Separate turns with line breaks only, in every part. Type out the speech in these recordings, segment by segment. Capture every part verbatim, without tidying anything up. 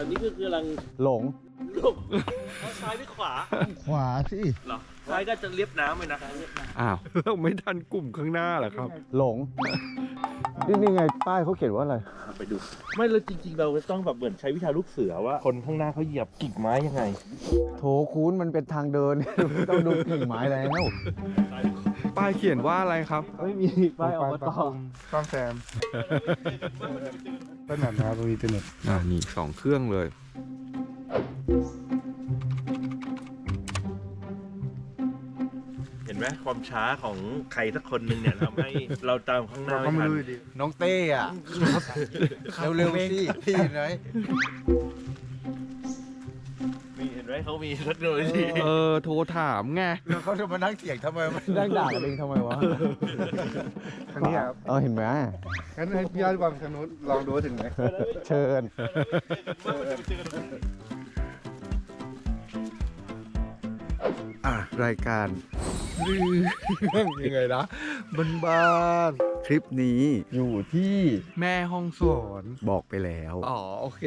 นี้คือกำลัง
หลง
ลงซ้ายหรือขวา
ขวาสิ
เหรอซ้ายก็จะเลียบน้ำเลยนะ
อ้าวเราไม่ทันกลุ่มข้างหน้าเหรอครับ
หลง นี่นี่ไงป้ายเขาเขียนว่าอะไร
ไปดู ไม่เลยจริงๆ เราต้องแบบเหมือนใช้วิชาลูกเสือว่า คนข้างหน้าเขาเหยียบกิ่งไม้ยังไง
โถคูณมันเป็นทางเดิน ต้องดูกิ่งไม้แล้ว
ป้ายเขียนว่าอะไรครับ
ไม่มีป้ายอบต
ซ่อมแซมก็หนักนะดูอินเทอร์เน็ต
อ่านี่สองเครื่องเลย
เห็นไหมความช้าของใครสักคนหนึ่งเนี่ยทำให้เราตามข้างหน้า
เราก็
ไม่
ไม่
ทัน
รู้อยู่ดี
น้องเต้อะเร็วๆสิพี่ไหน
มีเห็นไหมเขามีเทคโนโลยี
เออ โทรถามไง
แล้วเขาจะมานั่งเถียงทำไมมันนั่งด่ากันเองทำไมวะ
คันนี้ครับ
เออเห็นไหม
งั้นให้พี่ยอดวางทางนู้นลองดูว่าถึงไหม
เชิญ อ่ะ รายการเรื่องยังไงนะบ้านบ้านๆคลิปนี้อยู่ที่
แม่ห้องสอน
บอกไปแล้ว
อ๋อ โอเค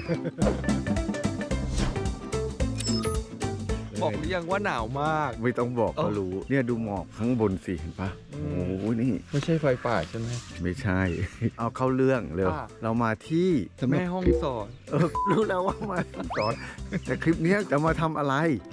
บอกหรือยังว่าหนาวมาก
ไม่ต้องบอกก็
เอ้า
รู้ เนี่ยดูหมอกข้างบนสิเห็นปะโอ้โหนี่
ไม่ใช่ไฟป่าใช่ไหม
ไม่ใช่ เอาเข้าเรื่องเร็ว
อ่ะ
เรามาที่
แม่ห้องสอน
เออรู้แล้วว่ามาสอนแต่คลิปเนี้ยจะมาทำอะไร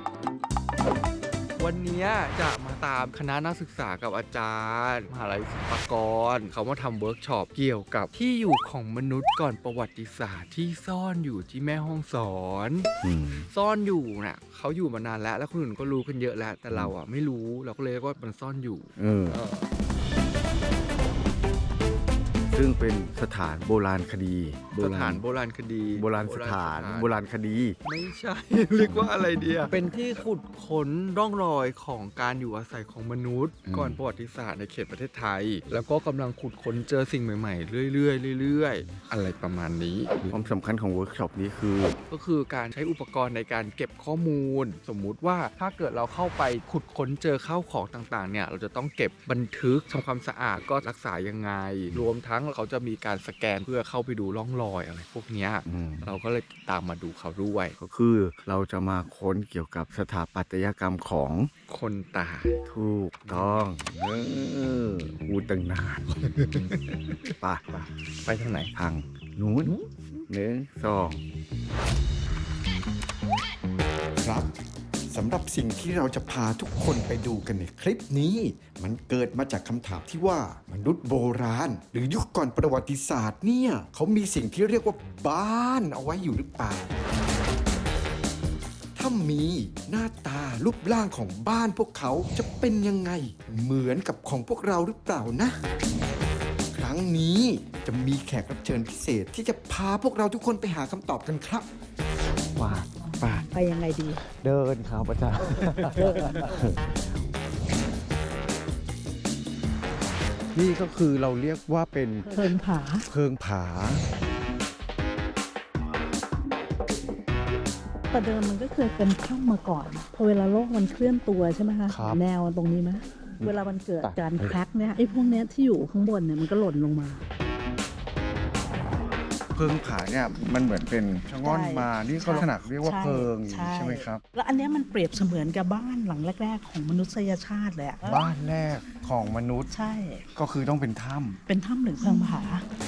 วันนี้จะมาตามคณะนักศึกษากับอาจารย์มหาลัยศิลปากร เขามาทำเวิร์กช็อปเกี่ยวกับที่อยู่ของมนุษย์ก่อนประวัติศาสตร์ที่ซ่อนอยู่ที่แม่ห้องสอน
อืม
ซ่อนอยู่น่ะเขาอยู่มานานแล้ว แล้วคนอื่นก็รู้กันเยอะแล้ว แต่เราอ่ะไม่รู้เราก็เลยเรียกว่ามันซ่อนอยู่
เออ
เออ
ซึ่งเป็นสถานโบราณคดี
สถานโบราณคดี
โบราณสถานโบราณคดี
ไม่ใช่ เรียกว่าอะไรเดียเป็นที่ขุดค้นร่องรอยของการอยู่อาศัยของมนุษย์
อืม
ก่อนประวัติศาสตร์ในเขตประเทศไทย แล้วก็กำลังขุดค้นเจอสิ่งใหม่ๆ เรื่อยๆเรื่อยๆ อะไรประมาณนี้
ความสำคัญของเวิร์กช็อปนี้คือ
ก็คือการใช้อุปกรณ์ในการเก็บข้อมูล สมมุติว่าถ้าเกิดเราเข้าไปขุดค้นเจอข้าวของต่างๆเนี่ยเราจะต้องเก็บบันทึกทำความสะอาดก็รักษายังไง รวมทั้งเขาจะมีการสแกนเพื่อเข้าไปดูร่องรอยอะไรพวกเนี้ย
อืม
เราก็เลยตามมาดูเขาด้วย
ก็คือเราจะมาค้นเกี่ยวกับสถาปัตยกรรมของ
คนตาย
ถูกต้องเออพูดตั้งนานป่ะป่ะ
ไปทางไหน
ทางนู้นหนึ่งสอง
ครับสำหรับสิ่งที่เราจะพาทุกคนไปดูกันในคลิปนี้ มันเกิดมาจากคำถามที่ว่ามนุษย์โบราณ หรือยุคก่อนประวัติศาสตร์เนี่ยเขามีสิ่งที่เรียกว่าบ้านเอาไว้อยู่หรือเปล่า ถ้ามีหน้าตารูปร่างของบ้านพวกเขาจะเป็นยังไง เหมือนกับของพวกเราหรือเปล่านะ ครั้งนี้จะมีแขกรับเชิญพิเศษที่จะพาพวกเราทุกคนไปหาคำตอบกันครับ
ว่าป่ะ
ไปยังไงดี
เดินครับอาจารย์นี่ก็คือเราเรียกว่าเป็น
เพิงผา
เพิงผา
แต่เดิมมันก็เคยเป็นถ้ำมาก่อน พอเวลาโลกมันเคลื่อนตัวใช่ไหมคะ
ครับ
แนวตรงนี้ไหมเวลามันเกิด
ตัด
การแคร็กเนี่ยไอ้พวกเนี้ยที่อยู่ข้างบนเนี่ยมันก็หล่นลงมา
เพิงผาเนี่ยมันเหมือนเป็นชะง่อน
ใช่
มา นี่เขา
ใช่
ขนาดเรียกว่า
ใช่
เพิงอย่างนี้
ใช่
ใช่ไหมครับ
แล้วอันเนี้ยมันเปรียบเสมือนกับบ้านหลังแรก ๆ ของมนุษยชาติเลยอะ
บ้านแรกของมนุษย์
ใช่
ก็คือต้องเป็นถ้
เป็นถ้ำหรือเพิงผา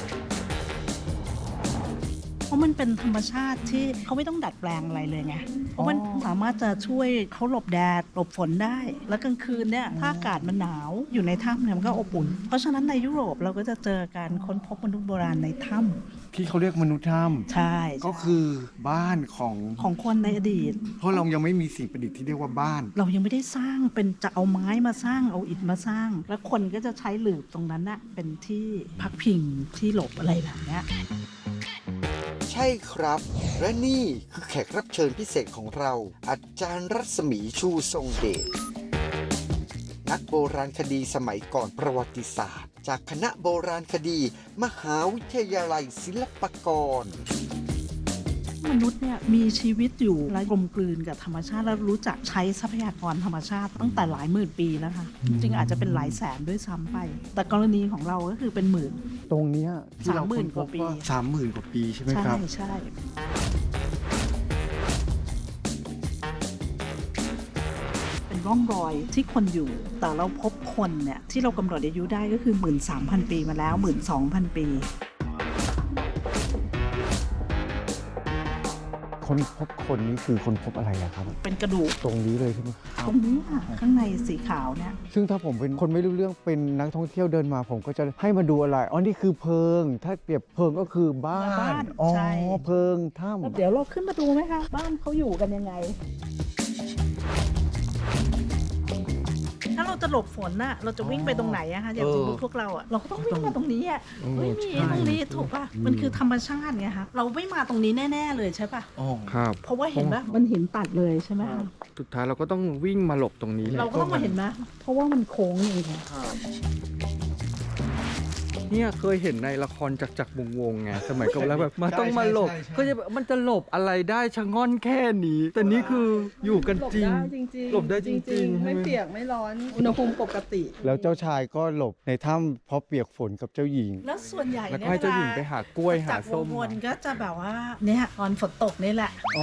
เพราะมันเป็นธรรมชาติที่เขาไม่ต้องดัดแปลงอะไรเลยไง เพราะมันสามารถจะช่วยเขาหลบแดดหลบฝนได้ แล้วกลางคืนเนี่ยถ้าอากาศมันหนาวอยู่ในถ้ำเนี่ยมันก็อบอุ่น เพราะฉะนั้นในยุโรปเราก็จะเจอการค้นพบมนุษย์โบราณในถ้
ำที่เขาเรียกมนุษย์ถ้
ำใช่
ำก็คือบ้านของ
ของคนในอดีต
เพราะเรายังไม่มีสิ่งประดิษฐ์ที่เรียกว่าบ้าน
เรายังไม่ได้สร้างเป็นจะเอาไม้มาสร้างเอาอิฐมาสร้าง แล้วคนก็จะใช้หลืบตรงนั้นน่ะเป็นที่พักพิงที่หลบอะไรแบบเนี้ย
ใช่ครับ และนี่คือแขกรับเชิญพิเศษของเรา อาจารย์รัศมีชูทรงเดชนักโบราณคดีสมัยก่อนประวัติศาสตร์ จากคณะโบราณคดี มหาวิทยาลัยศิลปากร
มนุษย์เนี่ยมีชีวิตอยู่และกลมกลืนกับธรรมชาติแล้วรู้จักใช้ทรัพยากรธรรมชาติตั้งแต่หลายหมื่นปีแล้วค่ะจริงๆอาจจะเป็นหลายแสนด้วยซ้ำไป แต่กรณีของเราก็คือเป็นหมื่น
ตรงเนี้ยที่เรา
สามหมื่น
ค้พบ
กว่าปี
สามหมื่นกว่าปีใช่ไหม
ใช่
ครับ
ใช่ร่องรอยที่คนอยู่ แต่เราพบคนเนี่ยที่เรากำหนดอายุได้ก็คือ หนึ่งหมื่นสามพัน ปีมาแล้ว หนึ่งหมื่นสองพัน ปี
คนพบคนนี้คือคนพบอะไรอะครับ
เป็นกระดูก
ตรงนี้เลยใช่ไหมครับ
ตรงนี้ค่ะข้างในสีขาวเนี่ย
ซึ่งถ้าผมเป็นคนไม่รู้เรื่องเป็นนักท่องเที่ยวเดินมา ผมก็จะให้มาดูอะไร อ๋อ นี่คือเพิง ถ้าเปรียบเพิงก็คือบ้า
บ้าน น
อ๋อ
ใช่
เพิงถ้
แล้วเดี๋ยวเราขึ้นมาดูไหมคะบ้านเขาอยู่กันยังไง ถ้าเราจะหลบฝนน่ะเราจะวิ่งไปตรงไหนอะคะอย่างสมมติพวกเราอะเราก็ต้องวิ่งมาตรงนี้อะไม่มีตรงนี้ถูกป่ะมันคือธรรมชาติไงคะเราไม่มาตรงนี้แน่ ๆ เลยใช่ป่ะ
ครับ
เพราะว่าเห็นป่ะมันหินตัดเลยใช่ไหมคะ
สุดท้ายเราก็ต้องวิ่งมาหลบตรงนี้แหละ
เราก็ต้องมาเห็นไหมเพราะว่ามันโค้งอย่างเงี้ย
เนี่ยเคยเห็นในละครจักรจักรวงศ์วงศ์ไงสมัยก่อนแล้วแบบมันต้องมาหลบก็จะแบบมันจะหลบอะไรได้ชะง่อนแค่นี้ แต่นี่คืออยู่กันจริง หลบได้จริงๆ
ไม่เปียกไม่ร้อนอุณหภูมิปกติ
ำแล้วเจ้าชายก็หลบในถ้ำเพราะเปียกฝนกับเจ้าหญิง
แล้วส่วนใหญ่
แล้วก็
เนี่ย
ให้เจ้าหญิงไปหากล้วยหาส้ม
จากวงวนก็จะแบบว่าเนี่ยตอนฝนตกนี่แหละ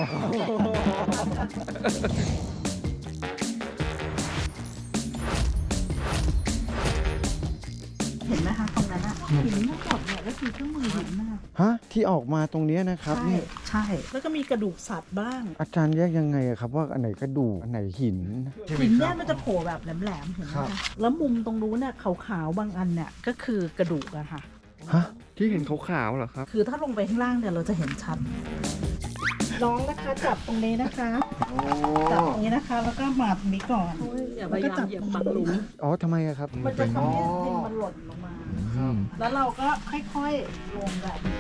เห็นไหมคะตรงนั้นอะหินทั้งหมดเนี่ยก็คือเครื่องมือหินนะคะ
ฮะ ที่ออกมาตรงเนี้ยนะครับ
ใช่
นี่
ใช่ แล้วก็มีกระดูกสัตว์บ้าง
อาจารย์แยกยังไงอะครับ ว่าอันไหนกระดูกอันไหนหิน
หินเนี่ยมันจะโผล่แบบแหลมๆเห็นไหม
ครั
คะ
บ
แล้วมุมตรงนู้นเนี่ยขาวๆบางอันเนี่ยก็คือกระดูกอะค่ะ
ฮะ
ที่เห็นขาวๆเหรอครับ
คือถ้าลงไปข้างล่างเนี่ยเราจะเห็นชัดน้องนะคะจับตรงนี้นะคะจับตรงนี้นะคะ แล้วก็มาตรงนี้ก่อนแล้วก็จับตรงนี้
อ๋อทำไมอะครับ
มันจะทำให้ดินมันหล่นลงมา แล้วเราก็ค่อยๆลงแบบนี้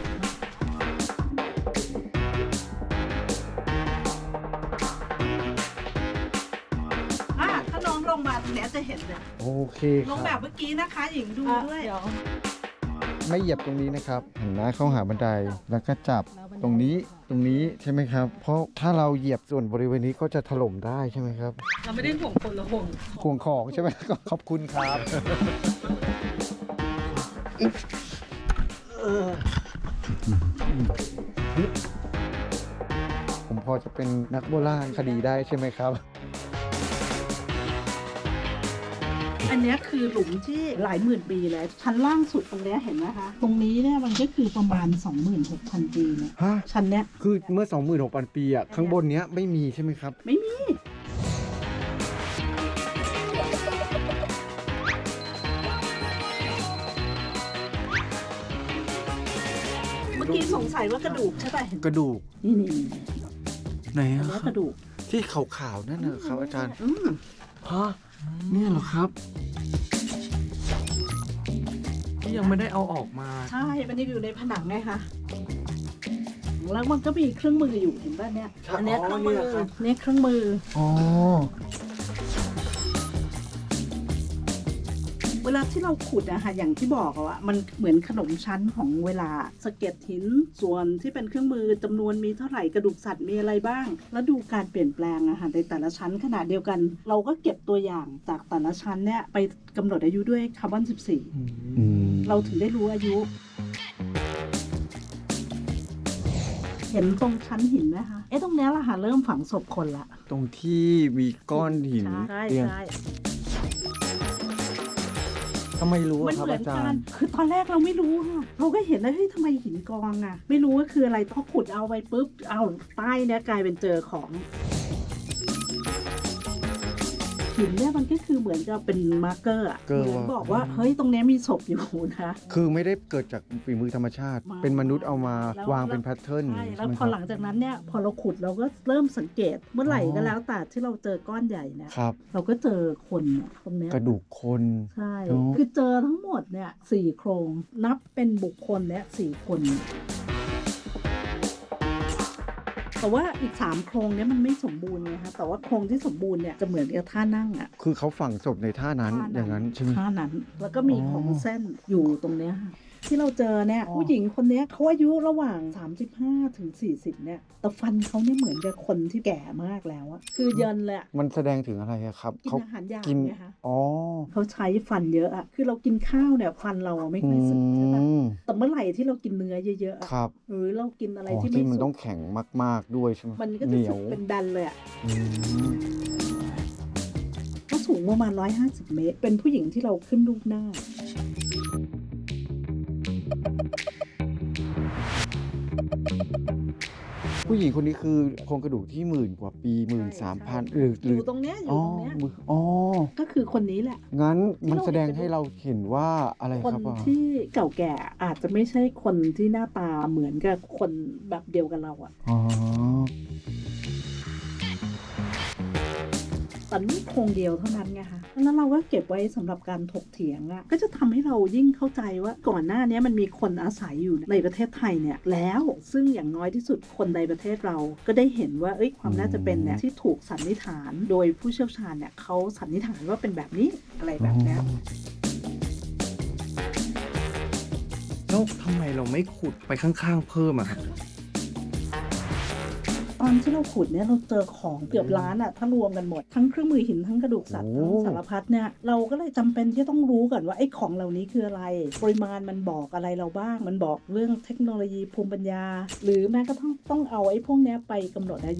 อ่ะถ้าน้องลงมาตรงเนี้ยจะเห็นเลย
โอเคค
ลงแบ
รั
บบ เมื่อกี้นะคะหญิงดูด้วย
ไม่เหยียบตรงนี้นะครับเห็นไหมเข้าหาบันได แล้วก็จับตรงนี้ ตรงนี้ใช่ไหมครับ เพราะถ้าเราเหยียบส่วนบริเวณนี้ก็จะถล่มได้ใช่ไหมครับ
เราไม่ได้ห่วงคนเราห่วง
ห่วงของใช่ไหม ก็ขอบคุณครับผมพอจะเป็นนักโบราณคดีได้ใช่ไหมครับ
อันเนี้ยคือหลุมที่หลายหมื่นปีแล้วชั้นล่างสุดตรงเนี้ยเห็นไหมคะ ตรงนี้เนี่ยมันก็คือประมาณ สองหมื่นหกพัน ปีเนี่ย
ฮะ
ชั้นเนี้ย
คือเมื่อ สองหมื่นหกพัน ปีอ่ะ ข้างบนเนี้ยไม่มีใช่ไหมครับ
ไม่มี เมื่อกี้สงสัยว่ากระดูกใช่ป่ะเห็น
กระดูก
นี่นี่
ไหน
อัน
อะ
เนี้ย
ค
ก
รับ
ระดูก
ที่ขาวๆนั่นนะครับอาจารย์
อืม
ฮะเนี่ยเหรอครับ
ที่ยังไม่ได้เอาออกมา
ใช่ มันยังอยู่ในผนังไงคะ แล้วมันก็มีเครื่องมืออยู่เห็นป่ะเนี่ย
ใช่
อันเนี้ย
อ๋อ
เครื่องมือ
เนี่ยครับ
เนี่ยเครื่องมือ
อ๋อ
เวลาที่เราขุดอะค่ะอย่างที่บอกอะว่ามันเหมือนขนมชั้นของเวลาสะเก็ดหินส่วนที่เป็นเครื่องมือจำนวนมีเท่าไหร่กระดูกสัตว์มีอะไรบ้าง แล้วดูการเปลี่ยนแปลงอะค่ะในแต่ละชั้นขนาดเดียวกัน เราก็เก็บตัวอย่างจากแต่ละชั้นเนี่ยไปกำหนดอายุด้วยคาร์บอนสิบสี่
อืม
เราถึงได้รู้อายุ เห็นตรงชั้นหินไหมคะเอ๊ะตรงเนี้ยละค่ะเริ่มฝังศพคนละ
ตรงที่มีก้อนหิน
ใช่
เรียง
ใช่
ทำไมรู้
มัน
อะครับ
เหมือ
อาน จา
กั
ร
น
ย์
คือตอนแรกเราไม่รู้ค่ะ เราก็เห็นแล้วเฮ้ยทำไมหินกองอ่ะ ไม่รู้ว่าคืออะไร พอขุดเอาไปปุ๊บ เอาใต้เนี้ยกลายเป็นเจอของ หินเนี่ยมันก็คือเหมือนจะเป็นมาร์กเกอร์อะ
เกอร์
เหมือน
ว่า
บอกว่า เฮ้ย ตรงเนี้ยมีศพอยู่นะ
คือไม่ได้เกิดจากฝีมือธรรมชาติ
มา
เป็นมนุษย์เอามา
แล้ว
วางเป็นแพทเทิร์น
ใช่
ใช่
แล้ว
ไหม
พ
ค
อ
รับ
หลังจากนั้นเนี่ย พอเราขุดเราก็เริ่มสังเกต เมื่อไหร่
อ๋อ
ก็แล้วแต่ที่เราเจอก้อนใหญ่เนี่ย
ครับ
เราก็เจอคนเนี่ยตรงเนี้ย
กระดูกคน
ใช่
อ๋อ
คือเจอทั้งหมดเนี่ยสี่โครง นับเป็นบุคคลเนี่ยสี่คน แต่ว่าอีกสามโครงเนี่ยมันไม่สมบูรณ์ไงคะแต่ว่าโครงที่สมบูรณ์เนี่ยจะเหมือนกับท่านั่งอะ
คือเขาฝังศพในท่านั้น
ท่
อย่างนั้นใช่ไหม
ท่านั้น แล้วก็มี
อ๋อ
ของเส้นอยู่ตรงเนี้ยค่ะที่เราเจอเนี่ยผู้หญิงคนเนี้ยเขาอายุระหว่าง สามสิบห้าถึงสี่สิบเนี่ยแต่ฟันเขาเนี่ยเหมือนกับคนที่แก่มากแล้วอะคือเยินเลยอะ
มันแสดงถึงอะไรอะครับ
กิน
เขา
อาหารยาก
กิน
ไงคะ
อ๋อ
เขาใช้ฟันเยอะอะคือเรากินข้าวเนี่ยฟันเราอะไม่ค่อยสึกใช่ปะ
อืม
แต่เมื่อไหร่ที่เรากินเนื้อเยอะๆอะ
ครับ
หรือเรากินอะไร
อ๋อ
ที่
ที่
ไม่
มัน
สุ
ต้อก งแข็งมาก ๆด้วยใช่ไหม
มันก็
เห
จะ
นีย
สึ
ว
กเป็นดันเลยอะ
อืม
สูงประมาณหนึ่งร้อยห้าสิบเมตร เป็นผู้หญิงที่เราขึ้นรูปหน้า
ผู้หญิงคนนี้คือโครงกระดูกที่หมื่นกว่าปีหมื่นสามพันหรือห
อ
รือยู่
ตรงเนี้ยอ
อ๋
ยู่
อ
ตรงเนี้ย
มืออ๋อ
ก็คือคนนี้แหละ
งั้นมันแสดงให้เราเห็นว่าอะไร
คน
ครับอ่ะ
ที่เก่าแก่อาจจะไม่ใช่คนที่หน้าตาเหมือนกับคนแบบเดียวกันเราอะ
อ๋อ
แต่นี่โครงเดียวเท่านั้นไงคะแล้วเราก็เก็บไว้สำหรับการถกเถียงอะก็จะทำให้เรายิ่งเข้าใจว่าก่อนหน้านี้มันมีคนอาศัยอยู่ในประเทศไทยเนี่ยแล้วซึ่งอย่างน้อยที่สุดคนในประเทศเราก็ได้เห็นว่าเอ้ยความน่าจะเป็นเนี่ยที่ถูกสันนิษฐานโดยผู้เชี่ยวชาญเนี่ยเขาสันนิษฐานว่าเป็นแบบนี้อะไรแบบเนี้ย
แล้วทำไมเราไม่ขุดไปข้างๆเพิ่มอะครับ
ตอนที่เราขุดเนี่ยเราเจอของเกือบล้านอะถ้ารวมกันหมดทั้งเครื่องมือหินทั้งกระดูกสัตว์ทั้งสารพัดเนี่ยเราก็เลยจำเป็นที่ต้องรู้ก่อนว่าไอ้ของเหล่านี้คืออะไรปริมาณมันบอกอะไรเราบ้างมันบอกเรื่องเทคโนโลยีภูมิปัญญา หรือแม้กระทั่งต้องเอาไอ้พวกเนี้ยไปกำหนดอายุ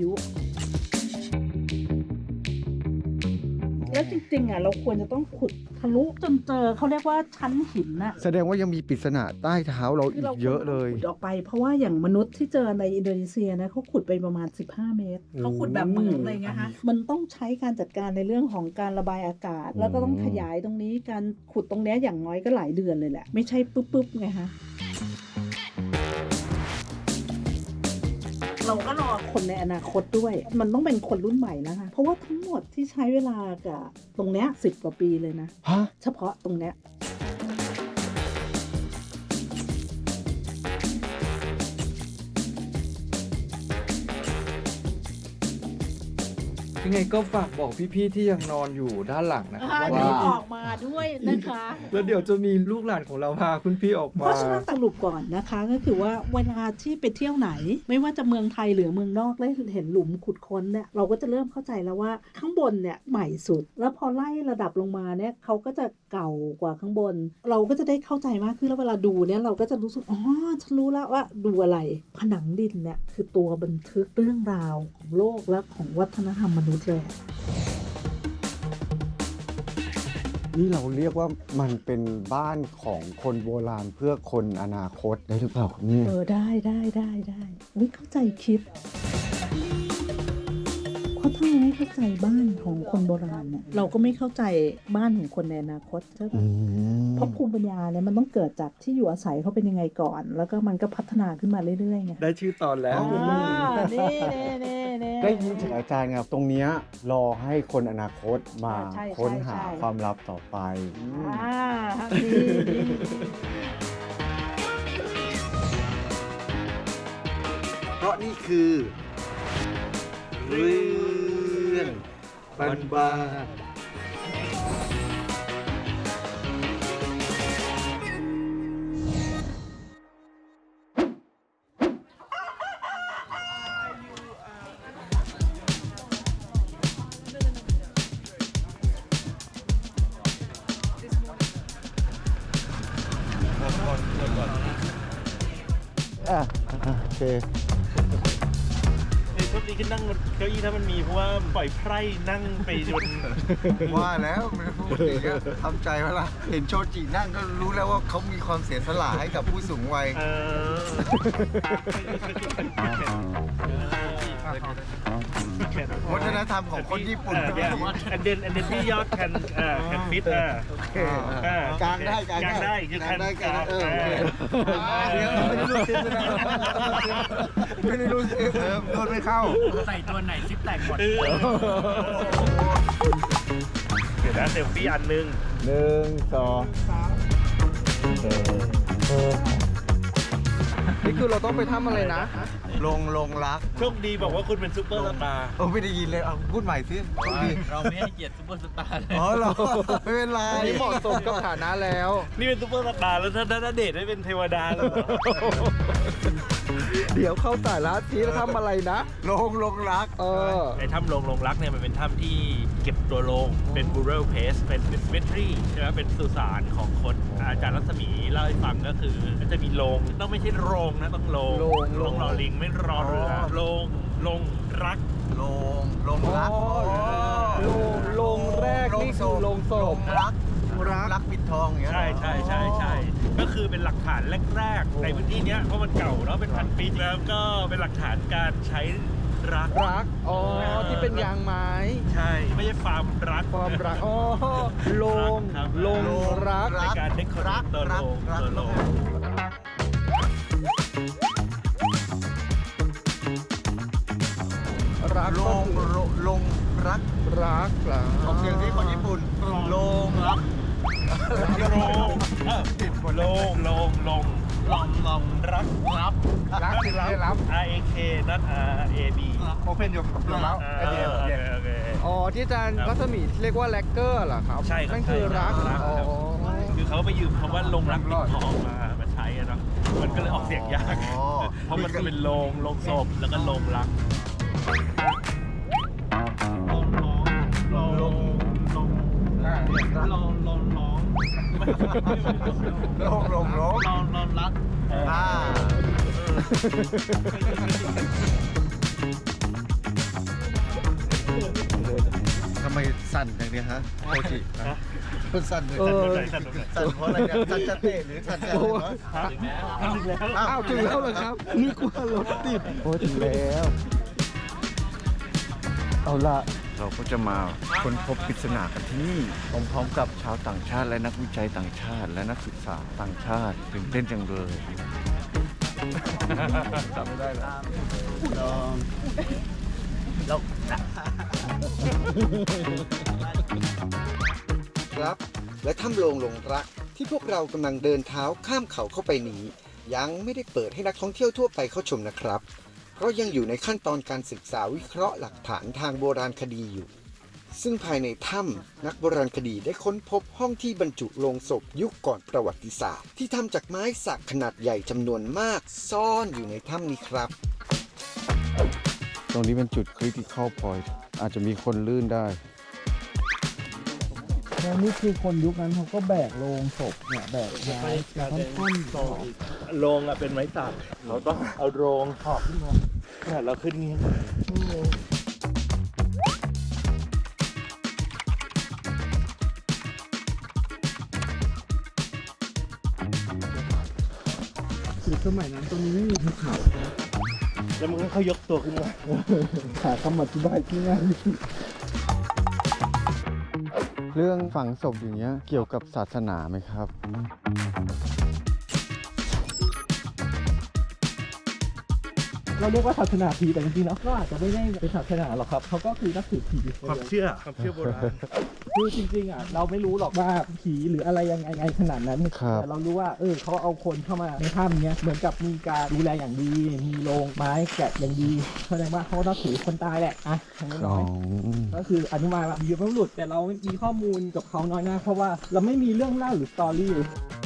แล้วจริงๆอ่ะเราควรจะต้องขุดทะลุจนเจอเขาเรียกว่าชั้นหินน่ะ
แสดงว่ายังมีปริศนาใต้เท้าเราอีกเยอะเลย
ขุดออกไปเพราะว่าอย่างมนุษย์ที่เจอในอินโดนีเซียนะเขาขุดไปประมาณสิบห้าเมตรเขาขุดแบบเหมืองเลยไงฮะมันต้องใช้การจัดการในเรื่องของการระบายอากาศ แล้วก็ต้องขยายตรงนี้การขุดตรงเนี้ยอย่างน้อยก็หลายเดือนเลยแหละไม่ใช่ปุ๊บๆไงฮะเราก็รอคนในอนาคตด้วยมันต้องเป็นคนรุ่นใหม่แล้วค่ะเพราะว่าทั้งหมดที่ใช้เวลากับตรงเนี้ยสิบกว่าปีเลยนะ
ฮะ
เฉพาะตรงเนี้ย
ยังไงก็ฝากบอกพี่ๆที่ยังนอนอยู่ด้านหลังนะครับ
อ่า
ว่า
นี่ออกมาด้วยนะคะ
แล้วเดี๋ยวจะมีลูกหลานของเราพาคุณพี่ออก
เพ
มา
ราะฉะนั้นสรุปก่อนนะคะก็คือว่าเวลาที่ไปเที่ยวไหน ไม่ว่าจะเมืองไทยหรือเมืองนอกได้เห็นหลุมขุดค้นเนี่ยเราก็จะเริ่มเข้าใจแล้วว่าข้างบนเนี่ยใหม่สุด แล้วพอไล่ระดับลงมาเนี่ยเขาก็จะเก่ากว่าข้างบน เราก็จะได้เข้าใจมากขึ้นแล้วเวลาดูเนี่ยเราก็จะรู้สึกอ๋อฉันรู้แล้วว่าดูอะไรผนังดินเนี่ยคือตัวบันทึกเรื่องราวของโลกและของวัฒนธรรมมนุษย์เลย
นี่เราเรียกว่ามันเป็นบ้านของคนโบราณเพื่อคนอนาคตได้หรือเปล่าครับเนี่ย
เออได้ได้ได้ได้วิเข้าใจคิด เพราะถ้าเราไม่เข้าใจบ้านของคนโบราณเนี่ยเราก็ไม่เข้าใจบ้านของคนในอนาคตใช่ไหม
อืม
เพราะภูมิปัญญาเนี่ยมันต้องเกิดจากที่อยู่อาศัยเขาเป็นยังไงก่อน แล้วก็มันก็พัฒนาขึ้นมาเรื่อยๆไง
ได้ชื่อตอนแล้ว
อ่านี่นี่นี่นี่
ได้ยินจากอาจารย์ครับตรงเนี้ยรอให้คนอนาคตมา
ใช่ใช่
ค้นหา
ใช่
ความลับต่อไป
อ่าดีดี
เพราะนี่คือเรื่องบ้านบ้าน
อ่ะอ่ะโอเค
ไอ้โชคดีที่นั่งเก้าอี้ถ้ามันมีเพราะว่าปล่อยไพร่นั่งไปจน
ว่าแล้วมันพูดอย่างเงี้ยทำใจไว้ละเห็นโชจินั่งก็รู้แล้วว่าเขามีความเสียสละให้กับผู้สูงวัย
เออ
วัฒนธรรมของคนญี่ปุ่น
เออเนี่ยอันเดนอันเดนที่ยอดแคนเอ่อแคนฟิตอ่ะ
โอเค
อ่
กลางได้กลาง
กลางได้
ได้
คือก
ลางได้กลางได้เออโอเค
เออ
เดี๋ยวไม่ได้รู้ซิปไม่ได้ไม่ได้รู้ซิปเออโดนไม่เข้า
ใส่ตัวไหนซิปแตกหมด
เออเดี๋ยวนะเซลฟี่อันหนึง
หนึ่งสอง
นี่คือเราต้องไปทำอะไรนะ
ลงลงรัก
โชคดีบอกว่าคุณเป็นซุปเปอร์สตาร์
โอ้ไม่ได้ยินเลยเอาพูดใหม่สิพูดดี
เราไม่ให้เกียรติซุปเปอร์สตาร์เลย
อ๋อเหรอไม่เป็นไร
อันนี้เหมาะสมกับฐานะแล้ว
นี่เป็นซุปเปอร์สตาร์แล้วถ้าถ้าเดทได้เป็นเทวดาเลยเหรอ
เดี๋ยวเข้าสายลัดทีแล้วทำอะไรนะ
ลงลงรัก
เออ
ไอ้ถ้ำโลงโลงรักเนี่ยมันเป็นถ้ำที่เก็บตัวโลงเป็น burial place เป็น cemetery ใช่ไหมเป็นสุสานของคนอาจารย์รัศมีเล่าให้ฟังก็คือก็จะมีโลงต้องไม่ใช่โรงนะต้องโลง
โลงโลง
ต้องรอลิงไม่รอเรือโลงโลงรัก
ลงลงรัก
อ๋อ
อ๋อ
โรงโรงแรกนี่คือโรงศพ
รักรักรักปิดทองอย่างเงี้ย
ใช่ใช่ใช่ใช่ก็คือเป็นหลักฐานแรกๆในพื้นที่เนี้ยเพราะมันเก่าแล้วเป็นพันปีแล้วก็เป็นหลักฐานการใช้รัก
รัก อ๋อ ที่เป็นยางไม้
ใช่ไม่ใช่ฟาร์มรัก
ความรัก อ๋อโรง
ครับ
โรงรัก
ในการเด็กรักตัวโลงตัวโลง
รัก
ลงลงรัก
รักเหรอ
ออกเสียงที่คนญี่ปุ่นลงรัก
โลงเออโลงโลงโลงลองลองรักรับ
รักคือรับรับ
R A K not R A B
โอเพนยกยกแล้วไอเดีย
โอเคโอเค
อ๋อ ที่อาจารย์รัศมีเรียกว่าแลกเกอร์เหรอครับ
ใช่ครับ
นั่นคือรัก
ใช่ครับ
อ๋อ
คือเขาไปยืมคำว่าลงรักปิดทองมามาใช้อะเนาะมันก็เลยออกเสียงยาก
อ๋อ
เพราะมันจะเป็นโลงโลงศพแล้วก็โลงรักโลงโลงโลงโลงโลงโลงโลง
ลงลงลง
โลงโลงรัก
อ่าทำไมสั่นอย่างเนี้ยฮะโคจิคุณสั่นเลย
เออ
สั่นเพราะอะไรเนี่ยสั่นจะเตะหรือสั่นจะอะไรวะ
ถึงแล้ว
อ้าวถึงแล้วเหรอครับนึกว่ารถติด
โอ้ถึงแล้ว เอาละเราก็จะมาค้นพบปริศนากันที่นี่พร้อมๆกับชาวต่างชาติและนักวิจัยต่างชาติ และนักศึกษาต่างชาติตื่นเต้นจังเลยจำไม่ได้แล้วลองครับ และถ้ำโลงหลงรักที่พวกเรากำลังเดินเท้าข้ามเขาเข้าไปนี้ ยังไม่ได้เปิดให้นักท่องเที่ยวทั่วไปเข้าชมนะครับ เพราะยังอยู่ในขั้นตอนการศึกษาวิเคราะห์หลักฐานทางโบราณคดีอยู่ ซึ่งภายในถ้ำนักโบราณคดีได้ค้นพบห้องที่บรรจุโลงศพยุคก่อนประวัติศาสตร์ ที่ทำจากไม้สักขนาดใหญ่จำนวนมากซ่อนอยู่ในถ้ำนี้ครับ ตรงนี้เป็นจุด critical point อาจจะมีคนลื่นได้
แล้วนี่คือคนยุคนั้นเขาก็แบกโลงศพเนี่ยแบกไม้แล้วก็ท่อนศพ
โรงอ่ะเป็นไม้สักเราต้องเอาโรงถอบขึ้นมาเนี่ยเราขึ้นนี้
คือสมัยนั้นตรงนี้ไม่มีภูเขา
แล้วมันก็เขายกตัวขึ้นมา
หาคำอธิบายที่ง่ายที่สุด
เรื่องฝังศพอย่างเงี้ยเกี่ยวกับศาสนาไหมครับ
เราเรียกว่าศาสนาผีแต่จริงๆแล้วก็อาจจะไม่ได้เป็นศาสนาหรอกครับเขาก็คือนับถือผี
ความเชื่อความเชื่อโบราณ
คือจริงๆอ่ะเราไม่รู้หรอกว่าผีหรืออะไรยังไงไงขนาดนั้น
ครับ
แต่เรารู้ว่าเออเขาเอาคนเข้ามาในถ้ำเนี้ยเหมือนกับมีการดูแลอย่างดี มีโรงไม้แกะอย่างดีแสดงว่าเขาก็นับถือคนตายแหละอ่ะทางนี้
อ๋
น้
อ
อย ก็คืออนุมานว่ามีบรรพบุรุษแต่เราไม่มีข้อมูลกับเขาน้อยมากเพราะว่าเราไม่มีเรื่องเล่าหรือสตอรี่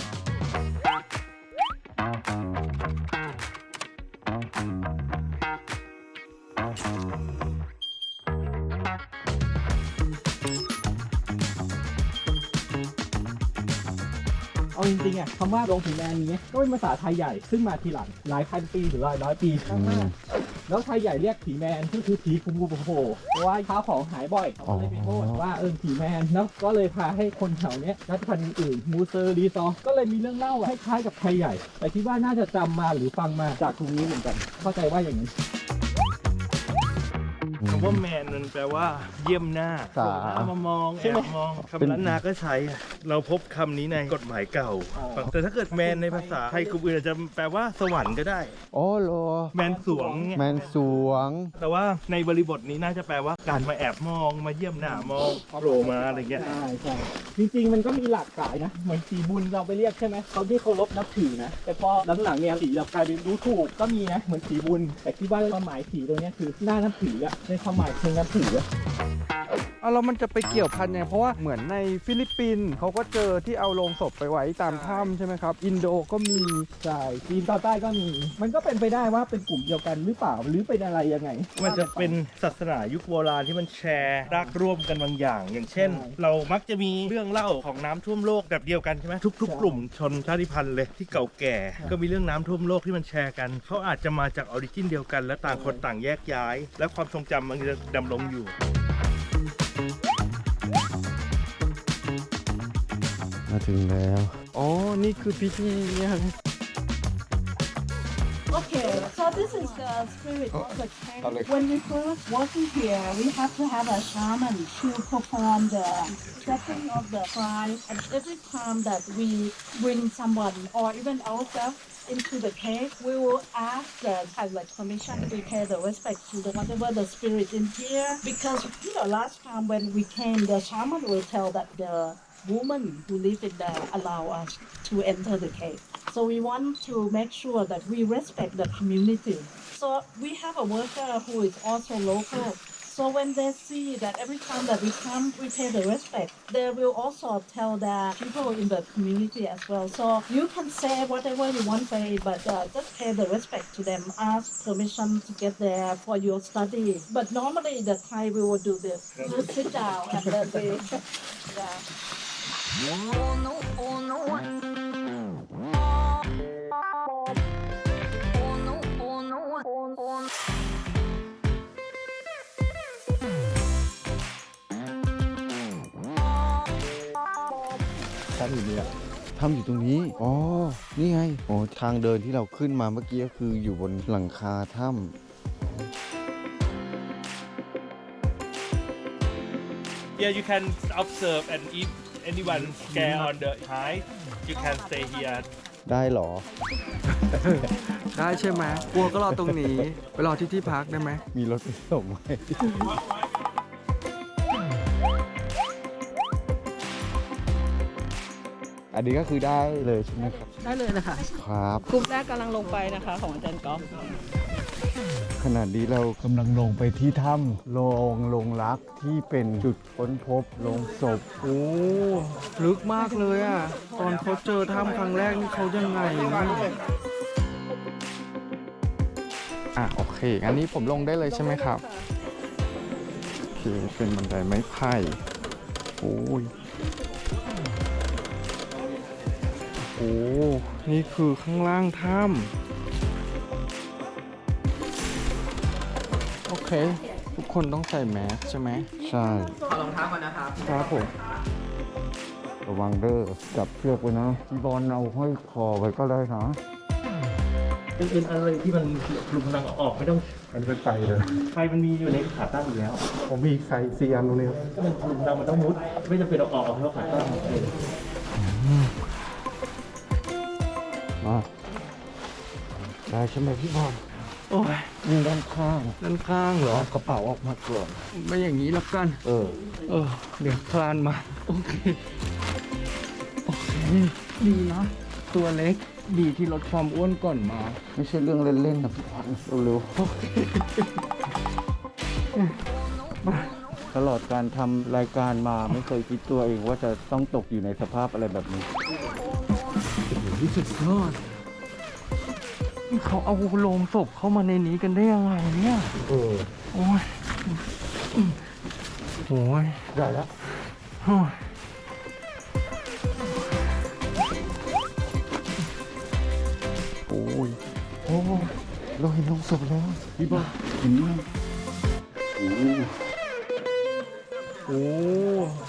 เอาจริงๆอ่ะคำว่าโรงผีแมนนี้ก็เป็นภาษาไทยใหญ่ซึ่งมาทีหลังหลายพันปีหรือหลายร้อยปีมากๆแล้วไทยใหญ่เรียกผีแมนก็คือผีคุมกูโผล่เพราะว่าข้าวของหายบ่อยเขาก็เลยไปโทษว่าเออผีแมนแล้วก็เลยพาให้คนแถวเนี้ยรัฐพันธ์อื่นมูเซอร์รีซอร์ก็เลยมีเรื่องเล่าคล้ายๆกับไทยใหญ่ แต่คิดว่าน่าจะจำมาหรือฟังมาจากตรงนี้เหมือนกัน เข้าใจว่าอย่างนี้
คำว่าแมนมันแปลว่าเยี่ยมหน้า
สา
เอามามองใช่ไหมมองคำล้านนาก็ใช้ เราพบคำนี้ในกฎหมายเก่า
อ๋อ
แต่ถ้าเกิดแมนในภาษาไทยกลุ่มอื่นอาจจะแปลว่าสวรรค์ก็ได้
อ๋อเหรอ
แมนสวงเนี่ย
แมนสวง
แต่ว่าในบริบทนี้น่าจะแปลว่าการมาแอบมองมาเยี่ยมหน้ามองโผล่มาอะไรเงี้ย
ใช่ใช่จริงๆมันก็มีหลากหลายนะเหมือนผีบุญเราไปเรียกใช่ไหมเขาที่เคารพนับถือนะแต่พอหลังๆเนี่ยผีเรากลายเป็นรู้ถูกก็มีนะเหมือนผีบุญแต่คิดว่าความหมายผีตัวเนี้ยคือหน้านับถืออะในความหมายเชิงนับถืออะ
เอาแล้วมันจะไปเกี่ยวพันยังไงเพราะว่าเหมือนในฟิลิปปินส์เขาก็เจอที่เอาโลงศพไปไว้ตามถ้ำใช่ไหมครับ อินโดก็มี
ใช่จีนตอนใต้ก็มี มันก็เป็นไปได้ว่าเป็นกลุ่มเดียวกันหรือเปล่าหรือเป็นอะไรยังไง
มันจะเป็นศาสนายุคโบราณที่มันแชร์รากร่วมกันบางอย่าง อย่างเช่น เรามักจะมีเรื่องเล่าของน้ำท่วมโลกแบบเดียวกันใช่ไหมทุกๆ กลุ่มชนชาติพันธุ์เลยที่เก่าแก่ ก็มีเรื่องน้ำท่วมโลกที่มันแชร์กันเขาอาจจะมาจากออริจินเดียวกันและต่างคนต่างแยกย้าย และความทรงจำมันจะดำรงอยู่
มาถึงแล้ว
อ๋อ นี่คือพิธีเนี่ย
Okay, so this is the spirit of the cave. When we first walk in here, we have to have a shaman to perform the setting of the shrine. And every time that we bring someone or even ourselves into the cave, we will ask the kind of like permission to pay the respect to the whatever the spirit in here. Because you know, last time when we came, the shaman will tell that the woman who live in there allow us to enter the cave. So we want to make sure that we respect the community. So we have a worker who is also local. So when they see that every time that we come, we pay the respect, they will also tell the people in the community as well. So you can say whatever you want to say, but uh, just pay the respect to them. Ask permission to get there for your study. But normally the Thai we will do this. Just sit down and then they, yeah.
ถ้ำอยู่นี่ถ้ำอยู่ตรงนี้ อ๋อ นี่ไง โอ้ทางเดินที่เราขึ้นมาเมื่อกี้ก็คืออยู่บนหลังคาถ้ำ
Yeah, you can observe and if anyone scare on the height, you can stay here.
ได้เหรอ
ได้ใช่ไหมกลัวก็รอตรงนี้ ไปรอที่ที่พักได้ไหม
มีรถไปส่งไหม อันนี้ก็คือได้เลยใช่ไหมครับ
ได้เลยนะคะ
ครับ
กลุ่มแรกกำลังลงไปนะคะของอาจารย์ก๊อฟ
ขณะนี้เรากำลังลงไปที่ถ้ำโลงลงรักที่เป็นจุดค้นพบโลงศพ
โอ้ลึกมากเลยอ่ะ ตอนเขาเจอถ้ำครั้งแรกนี่เขายังไงนะอ่ะโอเค อันนี้ผมลงได้เลยใช่ไหมครับ โอเค เป็นบันไดไม้ไผ่โอ้ย โอ้ นี่คือข้างล่างถ้ำโอเค ทุกคนต้องใส่แมสใช่ไหม
ใช่
ขอรองเท้าก่อนนะครับ
ครับผม
ระวังเด้อจับเชือกไว้นะพี่บอลเอาห้อยคอไว้ก็ได้นะ
เป็นอะไรที่มันหลุมดังออกไม่ต้อง
มันเป็นไฟเลย
ไฟมันมีอยู่ในขาตั้งอยู่แล้ว
ผมมีไฟซีอันตรงนี้ครับ
ก็มันหลุมดังมันต้องมุด ไม่จำเป็นเอาออกเอาเพราะขาตั้งเอง
มาได้ใช่ไหมพี่บอล
โอ้ย
นี่ด้านข้าง
ด้านข้างเหรอ
เอากระเป๋าออกมาก่อน
ไม่อย่างนี้แล้วกัน
เออ
เออ เดี๋ยวคลานมา โอเค โอเค
ดีเนาะ
ตัวเล็ก ดีที่ลดความอ้วนก่อนมา
ไม่ใช่เรื่องเล่นๆนะพี่บอลเร็วๆตลอดการทำรายการมาไม่เคยคิดตัวเองว่าจะต้องตกอยู่ในสภาพอะไรแบบนี้
ที่สุดยอดนี่เขาเอาโลงศพเข้ามาในนี้กันได้ยังไงเนี่ย
เออ
โอ้ยโอ้ย
ได้แล้ว
โอ้ยโอ้ย
โอ้เราเห็นลงศพแล้วพี่บอลเห็นไหมโอ้
โอ้